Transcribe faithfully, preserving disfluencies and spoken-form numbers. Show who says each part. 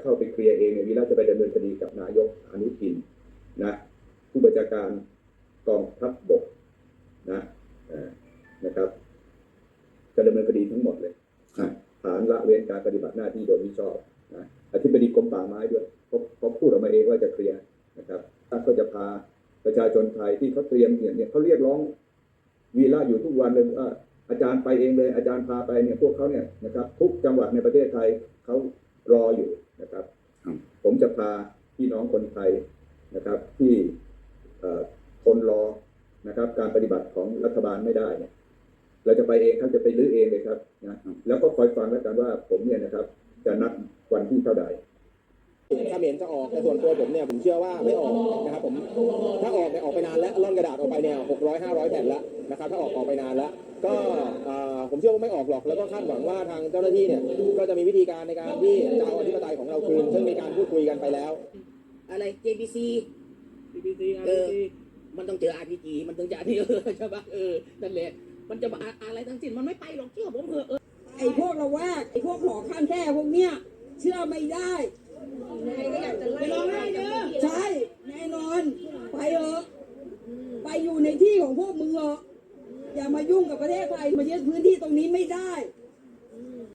Speaker 1: เข้าไปเคลียร์เองเนี่ยวีระจะไปดำเนินคดีกับนายกอนุทินนะผู้บัญชาการกองทัพบกนะนะครับจะดำเนินคดีทั้งหมดเลยฐานละเว้นการปฏิบัติหน้าที่โดยมิชอบนะอธิบดีกรมป่าไม้ด้วยเขาพูดออกมาเองว่าจะเคลียร์นะครับท่านก็จะพาประชาชนไทยที่เขาเตรียมเนี่ยเขาเรียกร้องวีระอยู่ทุกวันเลยว่าอาจารย์ไปเองเลยอาจารย์พาไปเนี่ยพวกเขาเนี่ยนะครับทุกจังหวัดในประเทศไทยเขารออยู่นะครับผมจะพาพี่น้องคนไทยนะครับที่ทนรอนะครับการปฏิบัติของรัฐบาลไม่ได้เนี่ยเราจะไปเองท่านจะไปรื้อเองเลยครับนะแล้วก็คอยฟังแล้วกันว่าผมเนี่ยนะครับจะนัดวันที่เท่าใด
Speaker 2: ถ้าเห็นจะออกแต่ส่วนตัวผมเนี่ยผมเชื่อว่าไม่ออกนะครับผมถ้าออกเนี่ยออกไปนานแล้วร่อนกระดาษออกไปเนี่ยหกร้อยห้าร้อยแผ่นแล้วนะครับถ้าออกออกไปนานแล้วก็ผมเชื่อว่าไม่ออกหรอกแล้วก็คาดหวังว่าทางเจ้าหน้าที่เนี่ยก็จะมีวิธีการในการที่จะเอาอธิปไตยของเราคืนซึ่งมีการพูดคุยกันไปแล้ว
Speaker 3: อะไร เจ บี ซี
Speaker 4: จี บี ซี
Speaker 3: เออมันต้องเจอ อาร์ พี จี มันต้องจะนี่เออใช่ปะเออนั่นแหละมันจะมาอะไรทั้งสิ้นมันไม่ไปหรอกเชื่อผมเถอะเออ
Speaker 5: ไอ้พวกละแวกไอ้พวกหอข้างแค่พวกเนี้ยเชื่อไม่ได้
Speaker 3: ไปลองได้เด้อ
Speaker 5: ใช่แน่นอนไปเถอะไปอยู่ในที่ของพวกมึงเถอะอย่ามายุ่งกับประเทศไทยมายึดพื้นที่ตรงนี้ไม่ได้